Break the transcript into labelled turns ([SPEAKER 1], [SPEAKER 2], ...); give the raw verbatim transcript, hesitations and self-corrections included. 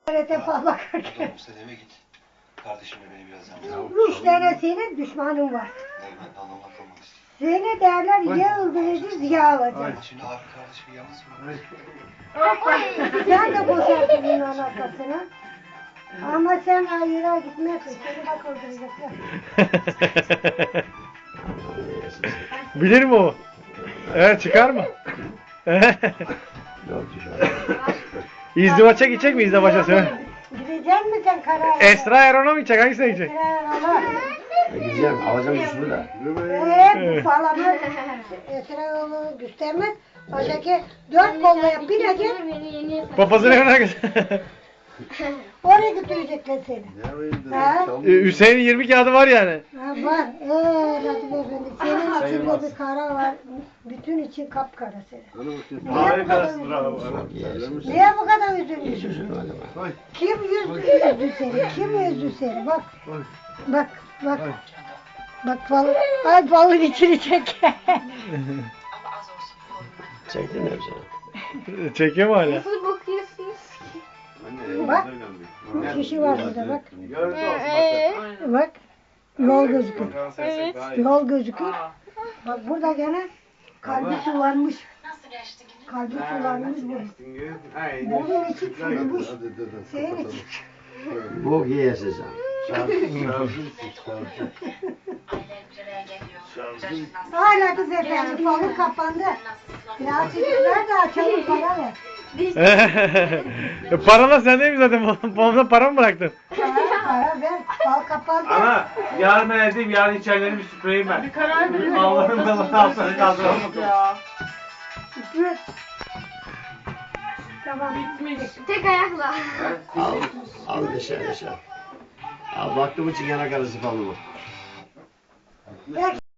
[SPEAKER 1] T F'ye bakarken.
[SPEAKER 2] Hadi sen eve git. Kardeşimle beni biraz yalnız.
[SPEAKER 1] Üç tane senin düşmanın var.
[SPEAKER 2] Ben anlamla kalmak istiyorum.
[SPEAKER 1] Seni derler ya öldüreceğiz ya alacağız.
[SPEAKER 2] Şimdi abi kardeşimi yalnız mı?
[SPEAKER 1] Sen de boşarsın bunun arkasına. Ama sen hayıra gitmezsin. Seni bak öldürecekler.
[SPEAKER 3] Bilir mi o? Evet, çıkar mı? İzdivaça gidecek mi izdivaça söyle?
[SPEAKER 1] Gidecek misin sen Karayel'e?
[SPEAKER 3] Esra Erol'a mı gidecek? Hangisine gidecek?
[SPEAKER 1] Esra Erol'a.
[SPEAKER 4] Gideceğim, alacağım üstümü de.
[SPEAKER 1] Eee bu falanı Esra Erol'u göstermez. Öteki dört kollaya binecek.
[SPEAKER 3] Papazın evine gidecek.
[SPEAKER 1] Oraya götürecekler seni. Ha?
[SPEAKER 3] Ee, Hüseyin'in yirmi kağıdı var yani.
[SPEAKER 1] Ha var. Eee Latif Efendi. Senin içinde bir kara var. Bütün için kapkara senin. Niye bu kadar üzülmüşsün? Niye bu kadar üzülmüşsün? Kim yüzdü, üzdü seni? Kim üzdü seni? Bak. Bak. Bak. Bak balık. Ay balığın içini çek.
[SPEAKER 4] Çektin mi hepsini?
[SPEAKER 3] Çekiyor mu hala?
[SPEAKER 5] Nasıl bakıyorsunuz?
[SPEAKER 1] Bak. Bir kişi var burada bak. Bak. Yol gözüküyor.
[SPEAKER 5] Evet.
[SPEAKER 1] Yol gözüküyor. Bak burada gene kalbi sulanmış. Kalbi sulanmış bu. Bunun içi çürümüş. Senin için.
[SPEAKER 4] Bok yiyesin sen.
[SPEAKER 1] Hala kız efendim balık kapandı. Ya çocuklar da açalım para ver.
[SPEAKER 3] E, Parala sen değil mi zaten? Babamdan para mı bıraktın?
[SPEAKER 1] Para, para ver. Bal kapandı.
[SPEAKER 6] Ana yarın ben edeyim, yarın içerileri bir süpüreyim ben. Bir karar verin. Allah'ın da altını kaldıralım.
[SPEAKER 1] Süpür. Tamam.
[SPEAKER 5] Tek ayakla.
[SPEAKER 4] Al, al dışarı dışarı. Al baktım için yana karısı falan mı?
[SPEAKER 1] Ver